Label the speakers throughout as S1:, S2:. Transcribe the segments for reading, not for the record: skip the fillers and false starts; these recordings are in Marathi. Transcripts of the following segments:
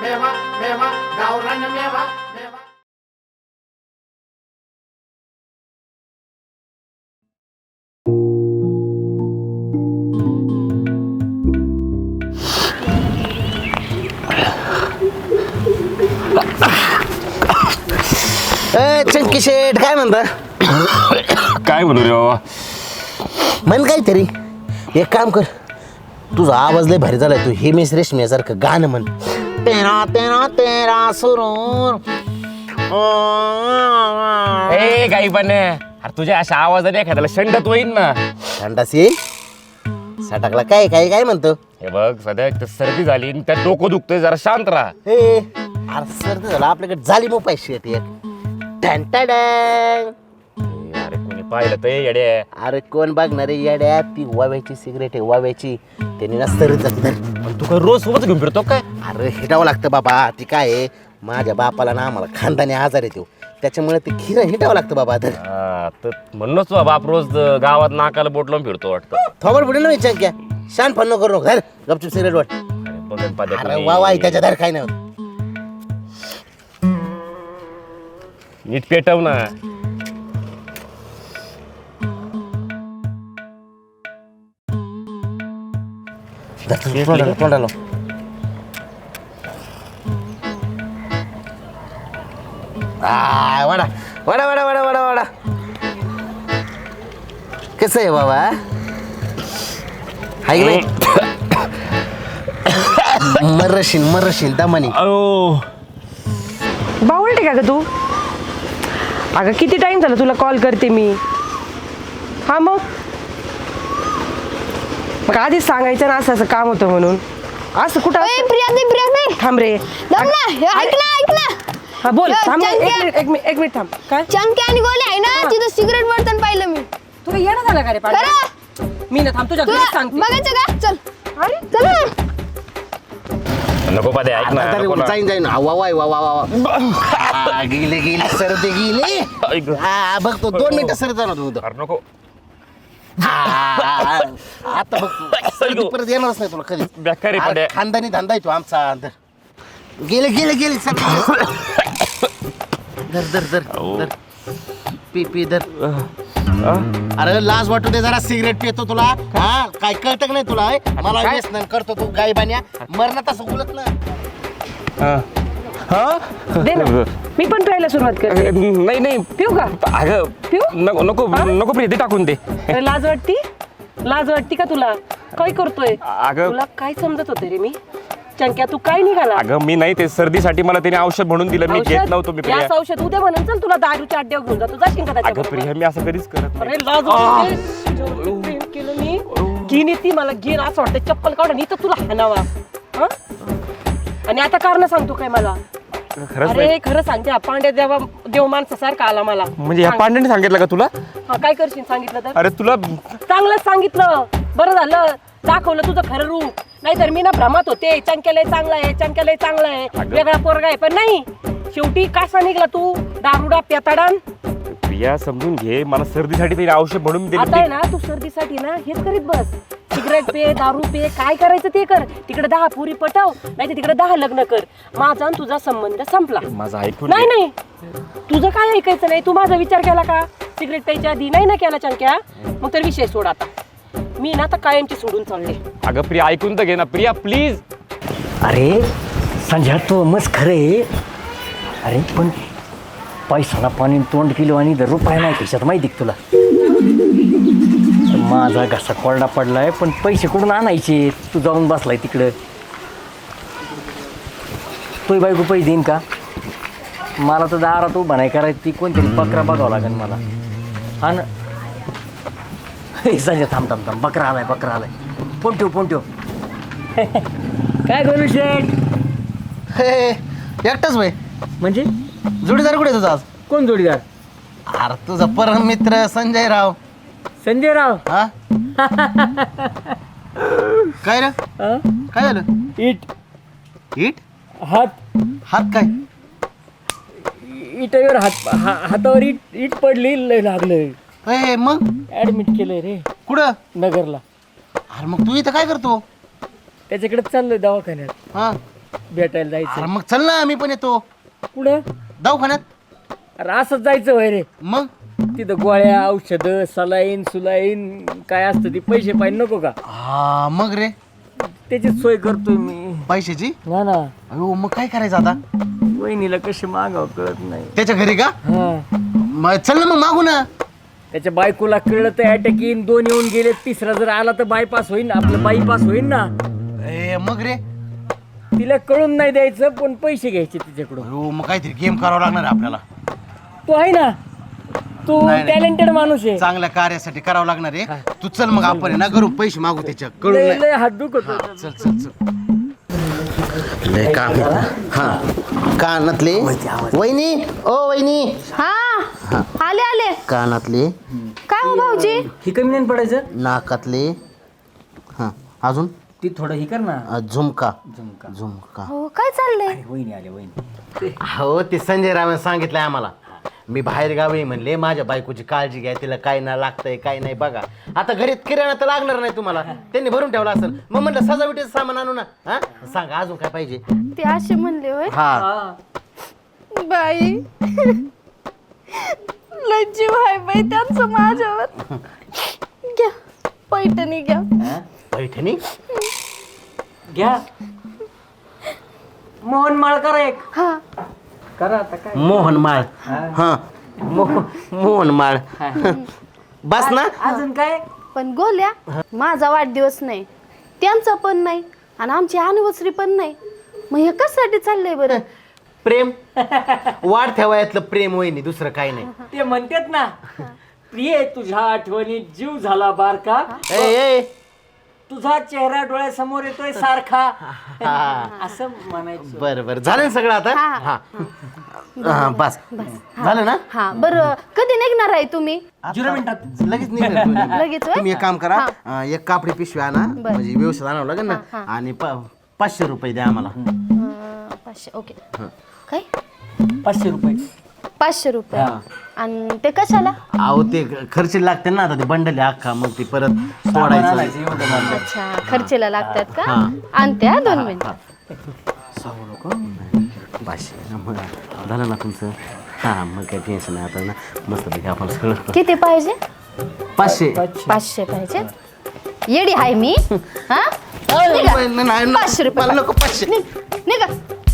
S1: मेवा मेवा गावरान मेवा मेवा.
S2: चंकी शेठ काय म्हणता?
S3: काय म्हणू रे बाबा?
S2: म्हण काहीतरी. एक काम कर, तुझा आवाज लय भारी झालाय. तू हिमेश रेशमियासारखं गाणं म्हण. तेरा तेरा तेरा सुरूर.
S3: ए काही पण अरे तुझ्या अशा आवाजाने एखाद्याला शंडत होईन ना.
S2: थंडास येईल सटाकला. काय काय काय म्हणतो?
S3: हे बघ सध्या एक तर सर्दी झाली आणि त्यात डोकं दुखतंय, जरा शांत राहा.
S2: हे अरे सर्दी झालं आपल्याकडे. झाली मोबाईल शेट एक.
S3: अरे कोणी पाहिलं तर येडे.
S2: अरे कोण बघणार आहे येड्या? ती वाव्याची सिगरेट आहे, वाव्याची. त्यांनी ना सर्दी जाते.
S3: तू काय रोज सोबत घेऊन फिरतो काय?
S2: अरे हिटावं लागतं बाबा. ती काय आहे, माझ्या बापाला ना आम्हाला खानदानी आजार येतो, त्याच्यामुळे ते खिरं हिटावं लागतं बाबा. तर
S3: तर म्हणूनच बाप रोज गावात नाकाला बोट लावून फिरतो वाटतं.
S2: थोबड पुढे ना विचार क्या. शान फन्न करू नको. गपचूप सिगरेट वाट.
S3: अरे बघन पाद्या
S2: अरे
S3: कोणी.
S2: वा वा त्याच्या दर काय नाही होत.
S3: नीट पेटव ना.
S2: तोंडाला वडा वडा वडा वडा वडा वडा. कसं आहे बाबा? हाय की नाही? मरशील दमानी.
S4: बावळटे का ग तू? अगं किती टाइम झाला तुला कॉल करते मी. हा मग आधीच सांगायचं ना असं असं काम होतं म्हणून. असं कुठं
S5: प्रिया
S4: थांब रे.
S5: दम ना, ऐक ना.
S4: हा बोल.
S5: यो,
S4: थांब
S5: चंक्या.
S4: एक मिनिट थांब. काय
S5: चंक्या आणि गोले आहे ना,
S4: हा.
S5: तिथं सिगरेट बर्तन पाहिलं मी.
S4: तुला येणं झालं का रे पांड्या?
S5: खरं?
S4: मी ना थांब तुझ्या घरी
S5: तुला
S4: सांगते.
S5: बघायचं का? चल
S4: अरे
S5: चल ना.
S3: नको पाद्या ऐक ना. नको ना.
S2: जाईन वा गेले सर्दी गेली.
S3: ऐक.
S2: हा बघतो 2 मिनिटं सर्दी जाणार तू.
S3: अरे नको.
S2: आता बघतो सर्दी परत येणारच नाही तुला कधी.
S3: बेकारी पाड्या.
S2: खानदानी धंदा आहे तो आमचा. गेले धर पी धर. अरे लाज वाटू दे जरा. सिगरेट पितो तुला. हा काय कळत नाही तुला? मला व्यसन करतो तू गायबान्या. मरणात असं बोलत ना.
S4: दे ना. मी पण प्यायला सुरुवात करते.
S3: नाही
S4: पिऊ का?
S3: अगं
S4: पिऊ?
S3: नको नको नको प्रिया, ते टाकून दे.
S4: अरे लाज वाटती का तुला? काय करतोय?
S3: अगं
S4: तुला काय समजत होते रे मी? चंक्या तू काय निघाला?
S3: अगं मी नाही, ते सर्दीसाठी मला त्याने औषध म्हणून दिलं, मी घेत नव्हतो. मी प्रिया.
S4: याच औषध उद्या म्हणून चल तुला दारूच्या अड्ड्यावर घेऊन जातो. जाशील का
S3: अगं
S4: त्याच्याबरोबर?
S3: प्रिया मी असं कधीच करत
S4: अरे
S3: नाही.
S4: लाज वाटते. जेवढं प्रेम केलं मी. घेईन ती मला घेईन असं वाटतं. चप्पल काढून इथं तुला हाणावा. हं? आणि आता कारण सांगतो काय मला?
S3: खरंच
S4: अरे
S3: नाही.
S4: खरं सांगते. हा पांड्या देव माणसासारखा आला मला.
S3: म्हणजे या
S4: सांग.
S3: पांड्याने सांगितलं का तुला?
S4: हा काय करशील सांगितलं तर?
S3: अरे तुला
S4: चांगलंच सांगितलं. बरं झालं दाखवलं तुझं खरं रूप. नाहीतर मी ना भ्रमात होते. चंक्यालाही चांगला आहे वेगळा पोरगा आहे. पण नाही, शेवटी कसा निघला तू? दारुडा पेताडान.
S3: प्रिया समजून घे, मला सर्दीसाठी त्याने औषध म्हणून
S4: आता आहे
S3: दिलं.
S4: ना तू सर्दीसाठी ना हेच करीत बस. सिगरेट पे, दारू पे, काय करायचं ते कर. तिकडे 10 पुरी पटव, नाही तर तिकडे 10 लग्न कर. माझा आणि तुझा संबंध संपला.
S3: माझं ऐकून
S4: नाही
S3: घे.
S4: नाही तुझं काय ऐकायचं नाही. तू माझा विचार केला का? सिगरेट प्यायच्या आधी नाही ना केला चंक्या? मग तर विषय सोड आता. मी ना आता कायमची सोडून चालले.
S3: अगं प्रिया ऐकून तर घे ना प्रिया प्लीज.
S6: अरे संध्या तो मस्त खरे. अरे पण पैसाला पाणी तोंड किलो आणि दर रुपये नाही खिशात, माहिती का तुला? माझा घसा कोरडा पडलाय, पण पैसे कुठून आणायचे? तू जाऊन बसलाय तिकडं. तोही बायको पैसे देईन का? मला तर दारात उभा नाही करायची. ती कोणतरी बकरा बघावं लागेल मला. हा ना. संजय थांब बकरा आलाय. फोन ठेव. काय करू शेठ?
S2: एकटाच भाई.
S6: म्हणजे
S2: जोडीदार कुठे तुझा आज?
S6: कोण जोडीदार?
S2: अरे तुझा परम मित्र संजय राव.
S6: संजयराव.
S2: हा काय रे? काय झालं? इट हात काय?
S6: इटावर हातावर इट पडली, लय लागलंय.
S2: ए, मग
S6: ऍडमिट केलंय रे
S2: कुठं?
S6: नगरला.
S2: अरे मग तू इथं काय करतो?
S6: त्याच्याकडे चाललोय दवाखान्यात.
S2: हा
S6: भेटायला
S2: अरे
S6: जायचं.
S2: मग चल ना मी पण येतो
S6: कुठं?
S2: दवाखान्यात.
S6: अरे असंच जायचं होय रे.
S2: मग
S6: तिथं गोळ्या औषधं सलाईन सुलाईन काय असतं ते पैसे पाहिजे नको का?
S2: हा मग रे
S6: त्याचीच सोय करतोय मी.
S2: पैशाची.
S6: ना ना
S2: अयो मग काय करायचं आता.
S6: वहिनीला कशी मागावं कळत नाही.
S2: त्याच्या घरी का.
S6: हा
S2: मग चल ना मग मागू ना.
S6: त्याच्या बायकोला कळलं तर अटॅक येईन. 2 येऊन गेले, तिसरा जर आला तर बायपास होईन. आपलं बायपास होईन ना.
S2: ए मग रे.
S6: तिला कळून नाही द्यायचं पण पैसे घ्यायचे तिच्याकडून.
S2: अयो मग काहीतरी गेम करावं लागणार आहे आपल्याला.
S6: तू आहे ना, तू
S2: नाही, नाही.
S6: टॅलेंटेड माणूस आहे.
S2: चांगल्या कार्यासाठी करावं लागणार आहे. तू चल मग आपण आहे ना घरून पैसे मागू त्याच्या कळून
S6: लय
S2: नाही.
S6: लय हात दुखत होता.
S2: चल चल चल. लय काम हा कानातले वहिनी ओ वहिनी
S5: हा आले आले.
S2: कानातले
S5: काय हो भाऊजी.
S6: ही कमी नाही पडायचं.
S2: नाकातले हा अजून
S6: ती थोडं ही कर ना.
S2: झुमका
S6: झुमका.
S2: झुमका.
S5: हो काय चाललंय.
S6: वहिनी आले वहिनी.
S2: हो ते संजय रावने सांगितलंय आम्हाला. मी बाहेर गावी म्हणले माझ्या बायकोची काळजी घ्या, तिला काय ना लागतंय काय नाही बघा. आता घरी किराणा तर लागणार नाही तुम्हाला, त्यांनी भरून ठेवला असेल. मग म्हणलं सजावटीचं सामान आणू ना. हा सांगा अजून काय पाहिजे.
S5: ते असे म्हणले होय.
S2: हा
S5: बाई लय जीव आहे बाई त्यांचं माझ्यावर. घ्या पैठणी घ्या.
S2: पैठणी
S6: घ्या. मोहन माळ करा एक.
S5: हा
S6: करा आता काय.
S2: मोहन माळ. हा मोहन माळ बस ना.
S6: अजून काय.
S5: पण गोल्या माझा वाढदिवस नाही, त्यांचा पण नाही आणि आमची अनिव्हर्सरी पण नाही. मग हे कशासाठी चाललंय बरं.
S2: प्रेम वाढत्या वयातलं प्रेम वहिनी, दुसरं काही नाही.
S6: ते म्हणतात ना, प्रिय तुझ्या आठवणीत जीव झाला बारका.
S2: ए ए
S6: तुझा चेहरा डोळ्यासमोर येतोय सारखा.
S2: हा
S6: असं म्हणायचं.
S2: बरं बरं झालं ना सगळं आता.
S5: हा.
S2: हा बस झालं ना.
S5: हा बरं कधी निघणार आहे तुम्ही.
S6: 0 मिनिटात.
S2: लगेच निघाल तुम्ही.
S5: लगेच होय?
S2: तुम्ही एक काम करा, एक कापडी पिशवी आणा, म्हणजे व्यवस्थित आणावं लागेल ना. आणि 500 रुपये द्या आम्हाला.
S5: 500 ओके. काय
S6: 500 रुपये.
S5: 500 रुपये. आणि ते कशाला.
S2: अहो ते खर्च लागते ना, आता ते बंडल आहे अख्खा, मग ते परत सोडायचं.
S5: अच्छा खर्चेला लागतात का.
S2: हा.
S5: आणते हा 2 मिनिटं.
S2: सांगू नको. 500 मग झालं ना तुमचं. हा मग काय टेन्शन नाही आता ना. मस्त पैकी आपण सगळं
S5: किती पाहिजे.
S2: 500.
S5: 500 पाहिजे. येडी आहे मी. हा
S2: नाही
S5: 500 रुपये.
S2: मला नको 500.
S5: निघा.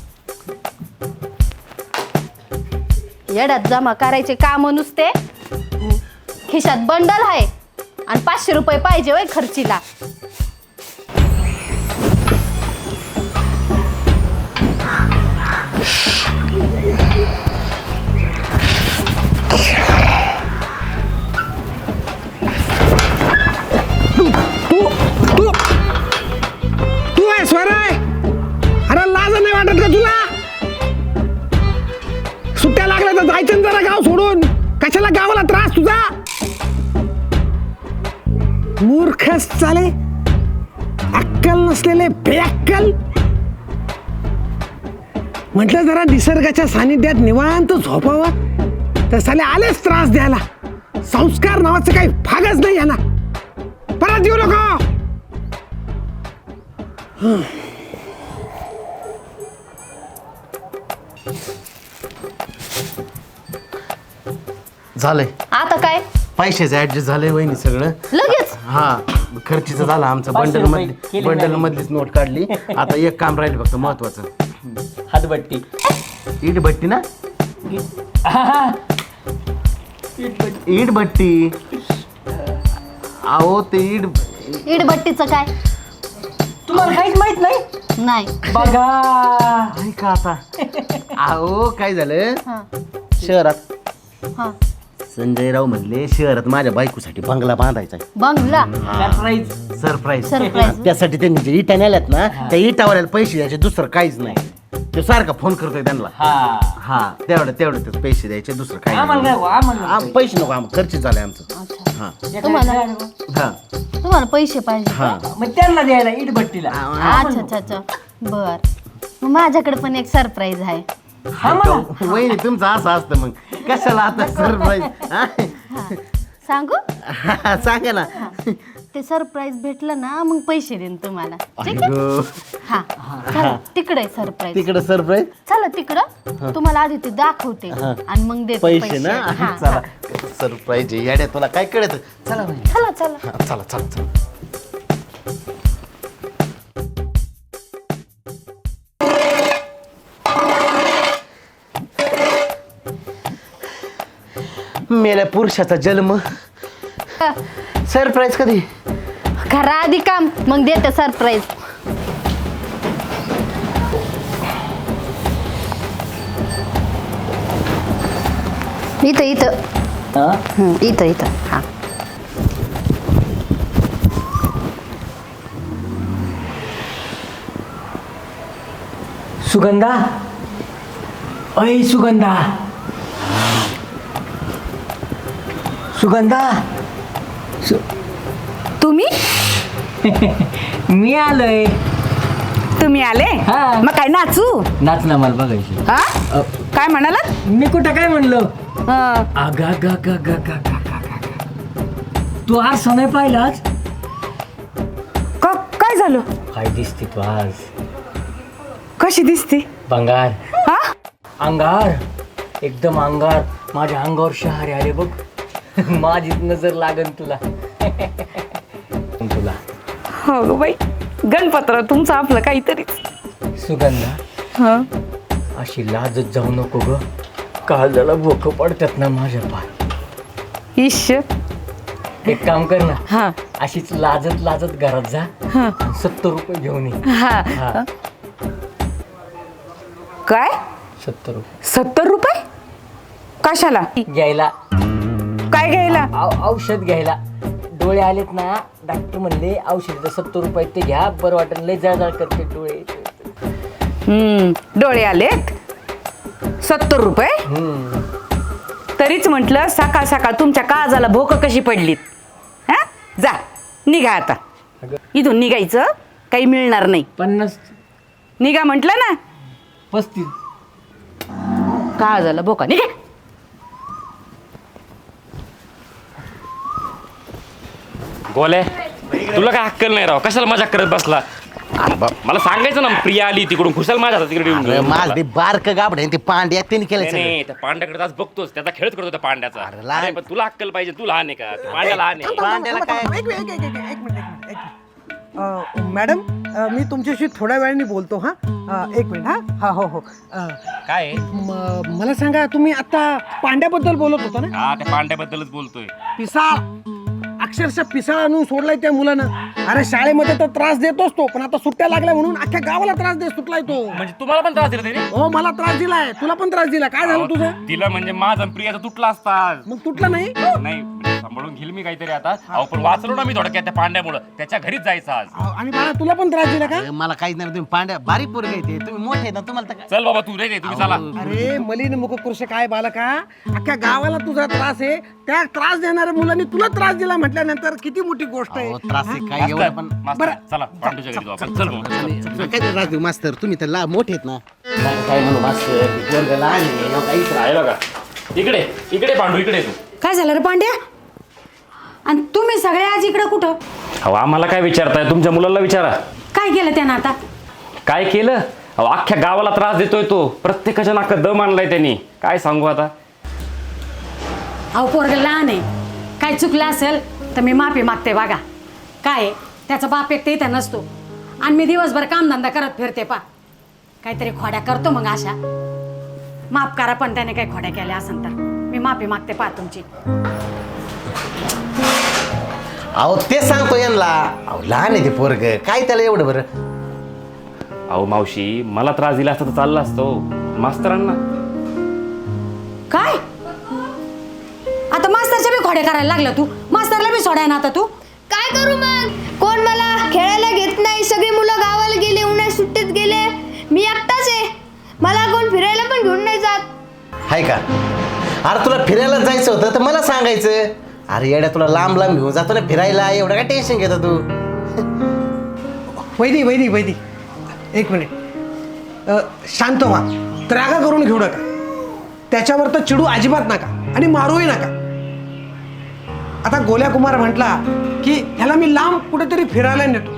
S5: येड्यात जमा करायचे काम नुसते. खिशात बंडल आहे आणि 500 रुपये पाहिजे होय खर्चीला.
S7: तू आहे स्वर आहे. अरे लाज नाही वाटत का तुला. सुट्ट्या लागल्या तर जायचं ना जरा गाव सोडून. कशाला गावाला त्रास तुझा. मूर्खच चाले, अक्कल नसलेले बेअक्कल. म्हटलं जरा निसर्गाच्या सानिध्यात निवांत झोपावं, तर साले आलेच त्रास द्यायला. संस्कार नावाचं काही भागच नाही याला. परत येऊ नको.
S2: झालंय
S5: आता काय
S2: पैशाचं ऍडजस्ट झालंय वहिनी सगळं.
S5: लगेच.
S2: हा खर्चीचं झालं आमचं.
S6: 500
S2: बंडल
S6: रुपये
S2: मधली
S6: केले
S2: बंडल
S6: नाही.
S2: मधलीच नोट काढली. आता एक काम राहिलं फक्त महत्वाचं.
S6: हातभट्टी.
S2: ईट भट्टी ना. ईट भट्टी. अहो ते
S5: इडभट्टीचं काय.
S6: तुम्हाला काहीच माहित नाही.
S5: नाही.
S6: बघा
S2: ऐका आता. अहो काय झालं
S5: हा
S2: शहरात.
S5: हा
S2: संजय राव म्हणले शहरात माझ्या बायकोसाठी बंगला बांधायचा
S5: बंगला.
S6: सरप्राईज.
S2: सरप्राईज.
S5: Surprise.
S2: त्यासाठी त्यांनी जे इटा नेल्यात ना, त्या इटावर पैसे द्यायचे, दुसरं काहीच नाही. ते सारखा फोन करतोय त्यांना.
S6: हा
S2: हा तेवढं ते पैसे द्यायचे, दुसरं काही
S6: आम्हाला
S2: नाही.
S6: काय आम्हाला
S2: पैसे नको आम्हाला, खर्च झालाय आमचं.
S5: अच्छा
S2: हा
S5: तुम्हाला
S2: हा
S5: तुम्हाला पैसे पाहिजे.
S2: हा
S6: मग त्यांना द्यायला इटभट्टीला.
S5: अच्छा अच्छा अच्छा बर. मग माझ्याकडे पण एक सरप्राईज आहे.
S2: वहिनी तुमचं असं असतं मग कशाला आता सरप्राईज.
S5: सांगू.
S2: सांगा ना.
S5: ते सरप्राईज भेटलं ना मग पैसे देईन तुम्हाला ठीक आहे हा चला तिकडे सरप्राईज
S2: तिकडे सरप्राईज
S5: चला तिकडं तुम्हाला आधी ते दाखवते आणि मग देते
S2: पैसे ना
S5: हा,
S2: चला
S5: हा.
S2: सरप्राईज येड्या तुला काय कळत चला बाई.
S5: चला चला
S2: हा, चला चला चला मेल्या पुरुषाचा जन्म सरप्राईज कधी
S5: करा आधी काम मग देते सरप्राईज इथं इथं इथं इथं हा
S6: सुगंधा, अय सुगंधा, सुगंधा,
S8: तुम्ही
S6: मी आलोय.
S8: तुम्ही आले
S6: हा.
S8: मग काय नाचू
S6: नाच ना मला बघायची.
S8: हा काय म्हणाला
S6: मी कुठं काय म्हणलो? आगा गा गा गा गा गा गा गा. तू आज सोने पाहिलाच
S8: काय झालं
S6: काय दिसते तू आज?
S8: कशी दिसते
S6: बंगार,
S8: हा
S6: अंगार, एकदम अंगार. माझ्या अंगावर शहारे आले बघ. माझी नजर लागन तुला. तुला
S8: हो ग बाई गणपतराव तुमचं आपलं काहीतरीच
S6: सुगंधा,
S8: हा
S6: अशी लाजत जाऊ नको ग. काळजाला भोकं पडतात ना माझ्या पाय.
S8: ईश
S6: एक काम कर ना,
S8: हा
S6: अशीच लाजत लाजत घरात जा.
S8: हा
S6: 70 रुपये घेऊन ये.
S8: हा
S6: हा
S8: काय
S6: 70 रुपये
S8: 70 रुपये कशाला
S6: घ्यायला,
S8: काय घ्यायला
S6: औषध घ्यायला. डोळे आलेत ना, डॉक्टर म्हणले औषध 70 रुपये ते घ्या, बरं वाटेल. लय जळजळ करते डोळे.
S8: डोळे आलेत 70 रुपये तरीच म्हटलं सकाळ सकाळ तुमच्या काळजाला भोक कशी पडलीत. हा जा निघा आता. इथून निघायचं काही मिळणार नाही.
S6: 50,
S8: निघा म्हटलं ना.
S6: 35.
S8: काळजाला भोका निघा.
S3: गोले तुला काय अक्कल नाही राव, कशाला मजाक करत बसला? मला सांगायचं ना, प्रिया आली तिकडून, खुशाल माझ्या हातात तिकडे येऊन
S2: अरे
S3: घेऊन
S2: माझ
S3: गेला.
S2: ते बारक गाबड ते पांड्या त्यांनी केलं
S3: नाही,
S2: सगळं.
S3: नाही, त्या पांड्याकडे आज बघतोस, त्याचा खेळच करतो त्या पांड्याचा.
S2: अरे लहान-
S3: अरे, पण तुला अक्कल पाहिजे, तू लहान आहे का? त्या पांड्या लहान आहे.
S2: पांड्याला काय
S7: एक मिनिट. मॅडम मी तुमच्याशी थोड्या वेळाने बोलतो हा. एक मिनिट हा. हा हो हो
S3: काय आहे?
S7: मला सांगा तुम्ही आता पांड्याबद्दल बोलत होता ना?
S3: हा, त्या पांड्याबद्दलच बोलतोय.
S7: पिसाळ, अक्षरशः पिसाळ आणून सोडलाय त्या मुलानं. अरे शाळेमध्ये तर त्रास देतोच तो, पण आता सुट्ट्या लागल्या म्हणून अख्ख्या गावाला त्रास देत सुटलाय तो.
S3: म्हणजे तुम्हाला पण त्रास दिला त्याने?
S7: हो मला त्रास दिलाय, तुला पण त्रास दिला. काय झालं तुझं?
S3: तिला म्हणजे माझा आणि प्रियाचा तुटला असता.
S7: मग तुटलं नाही?
S3: नाही, सांभाळून घेईल मी काहीतरी आता. अहो, पण वाचलो ना मी थोडक्यात त्या पांड्यामुळे. त्याच्या घरीच जायचं आज.
S7: आणि बाळा तुला पण त्रास दिला का?
S2: अरे मला काहीच नाही, तुम्ही पांड्या बारीक पोरग आहे ते, तुम्ही मोठे आहे ना, तुम्हाला तर काय.
S3: चल बाबा, तू नाही तुम्ही चला.
S7: अरे मलिन मुखकृष काय बालका, अख्ख्या गावाला तुझा त्रास आहे. त्या त्रास देणाऱ्या मुलांनी तुला त्रास दिला म्हटल्यानंतर किती मोठी गोष्ट आहे.
S2: अहो, त्रास आहे काय एवढं पण.
S3: मास्तर, चला पांडूच्या घरी जाऊ आपण. चल बाबा, चल.
S2: काय ते त्रास देऊ मास्तर, तुम्ही तर मोठे आहेत ना. काय म्हणू मास्तर, ते पोरगं लहान आहे, ना काहीच नाही.
S3: आहे बघा, इकडे इकडे पांडू, इकडे तू.
S9: काय झालं रे पांड्या? आणि तुम्ही सगळे आज इकडं कुठं?
S3: अहो, आम्हाला काय विचारताय? तुमच्या मुलाला विचारा.
S9: काय केलं त्यानं आता?
S3: काय केलं? अहो, अख्ख्या गावाला त्रास देतोय तो. प्रत्येकाच्या नाकात दम आणलाय त्यांनी. काय सांगू आता.
S9: अहो पोरगं लहान आहे, काय चुकलं असेल तर मी माफी मागते. बघा काय आहे, त्याचा बाप एक तर इथं नसतो आणि मी दिवसभर कामधंदा करत फिरते. पा काहीतरी खोड्या करतो मग अशा. माफ करा, पण त्याने काही खोड्या केल्या असेल तर मी माफी मागते पा तुमची.
S2: अहो ते सांगतो यांना. अहो लहान आहे ते पोरग, काय त्याला एवढं बरं.
S3: अहो मावशी, मला त्रास दिला असता तर चालला असतो. मास्तरांना
S9: काय आता मास्तरच्या बी खोड्या करायला लागला तू? मास्तरला बी सोडाय ना आता तू?
S5: काय करू मग? कोण मला खेळायला घेत नाही. सगळी मुलं गावाला गेले, उन्हाळ्यात सुट्टीत गेले. मी एकटाच आहे. मला कोण फिरायला पण घेऊन नाही जात.
S2: हाय का? अरे तुला फिरायला जायचं होतं तर मला सांगायचं. अरे येड्या, तुला लांब लांब घेऊन जातो ना फिरायला, एवढं काय टेन्शन घेतो तू?
S7: वैदी एक मिनिट. शांत व्हा, त्रागा करून घेऊ नका. त्याच्यावर तर चिडू अजिबात नका आणि मारूही नका. आता गोल्या कुमार म्हटला की ह्याला मी लांब कुठेतरी फिरायला नेतो.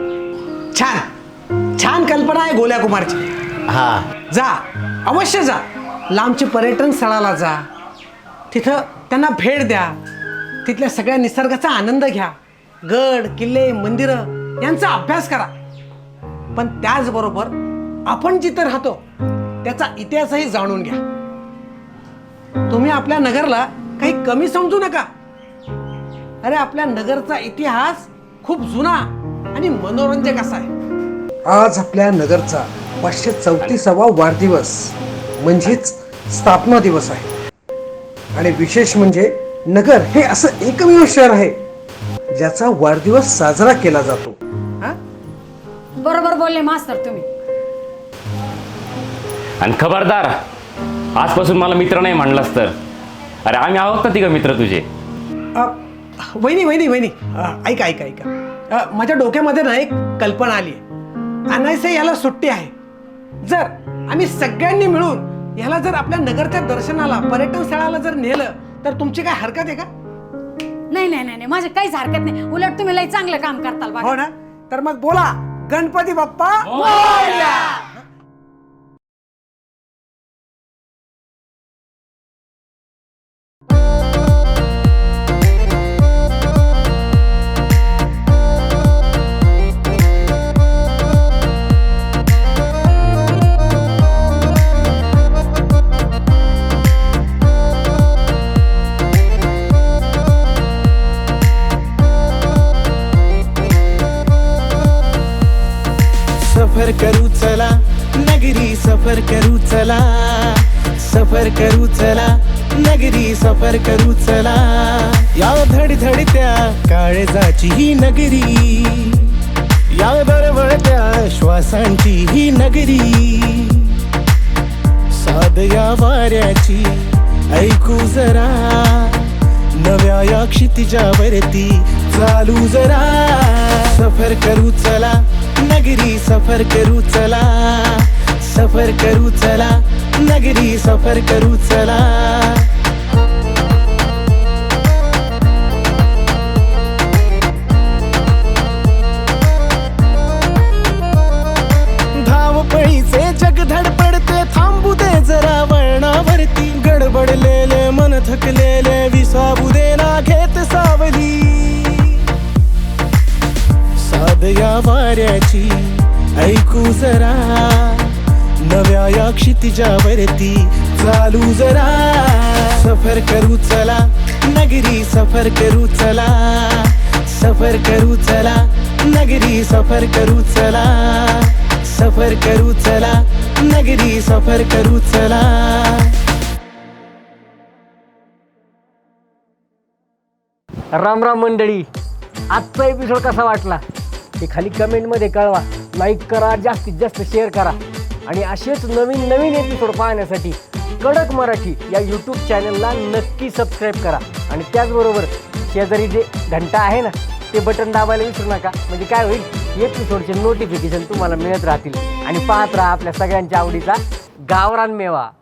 S7: छान छान कल्पना आहे गोल्या कुमारची.
S2: हा
S7: जा, अवश्य जा. लांबच्या पर्यटन स्थळाला जा, तिथं त्यांना भेट द्या, तिथल्या सगळ्या निसर्गाचा आनंद घ्या, गड किल्ले मंदिरं यांचा अभ्यास करा. पण त्याचबरोबर आपण जिथं राहतो त्याचा इतिहासही जाणून घ्या. तुम्ही आपल्या नगरला काही कमी समजू नका. अरे आपल्या नगरचा इतिहास खूप जुना आणि मनोरंजक असा आहे. आज आपल्या नगरचा 534वा वाढदिवस म्हणजेच स्थापना दिवस आहे. आणि विशेष म्हणजे नगर हे असं एकमेव शहर आहे ज्याचा वाढदिवस साजरा केला जातो.
S9: बरोबर बोलले मास्तर तुम्ही.
S3: आणि खबरदार, आजपासून मला मित्र नाही म्हणलास तर. अरे आम्ही आहोत ना तिघ मित्र तुझे.
S7: वहिनी ऐका ऐका ऐका. माझ्या डोक्यामध्ये ना एक कल्पना आली आहे. अनायसे याला सुट्टी आहे. जर आम्ही सगळ्यांनी मिळून याला जर आपल्या नगरच्या दर्शनाला पर्यटन स्थळाला जर नेलं तर तुमची काय हरकत आहे का?
S9: नाही नाही नाही, माझे काहीच हरकत नाही. उलट तुम्ही लई चांगलं काम करताल बघा.
S7: हो ना. तर मग बोला, गणपती बाप्पा.
S10: सफर करू चला नगरी, सफर करू चला, सफर करू चला नगरी, सफर करू चला. या धडधडत्या काळजाची ही नगरी, या दरवळत्या श्वासांची ही नगरी, साध या वाऱ्याची ऐकू जरा, नव्या या क्षितिजावरती चालू जरा. सफर करू चला नगरी, सफर करू चला, सफर करू चला नगरी, सफर करू चला. धावपळीचे जग धडपडते, थांबू दे जरा वळणावरती. गडबडलेले मन थकलेले विसावू दे ना घेत सावली. साध या वाऱ्याची ऐकू जरा, नव्या या क्षितिजावरती चालू जरा. सफर करू चला नगरी, सफर करू चला, सफर करू चला नगरी, सफर करू चला, सफर करू चला नगरी, सफर करू चला.
S6: राम राम मंडळी, आजचा एपिसोड कसा वाटला ते खाली कमेंटमध्ये कळवा. लाईक करा, जास्तीत जास्त शेअर करा. आणि असेच नवीन नवीन एपिसोड पाहण्यासाठी कडक मराठी या यूट्यूब चॅनलला नक्की सबस्क्राईब करा. आणि त्याचबरोबर शेजारी जे घंटा आहे ना ते बटन दाबायला विसरू नका. म्हणजे काय होईल, एपिसोडचे नोटिफिकेशन तुम्हाला मिळत राहतील. आणि पाहत राहा आपल्या सगळ्यांच्या आवडीचा गावरान मेवा.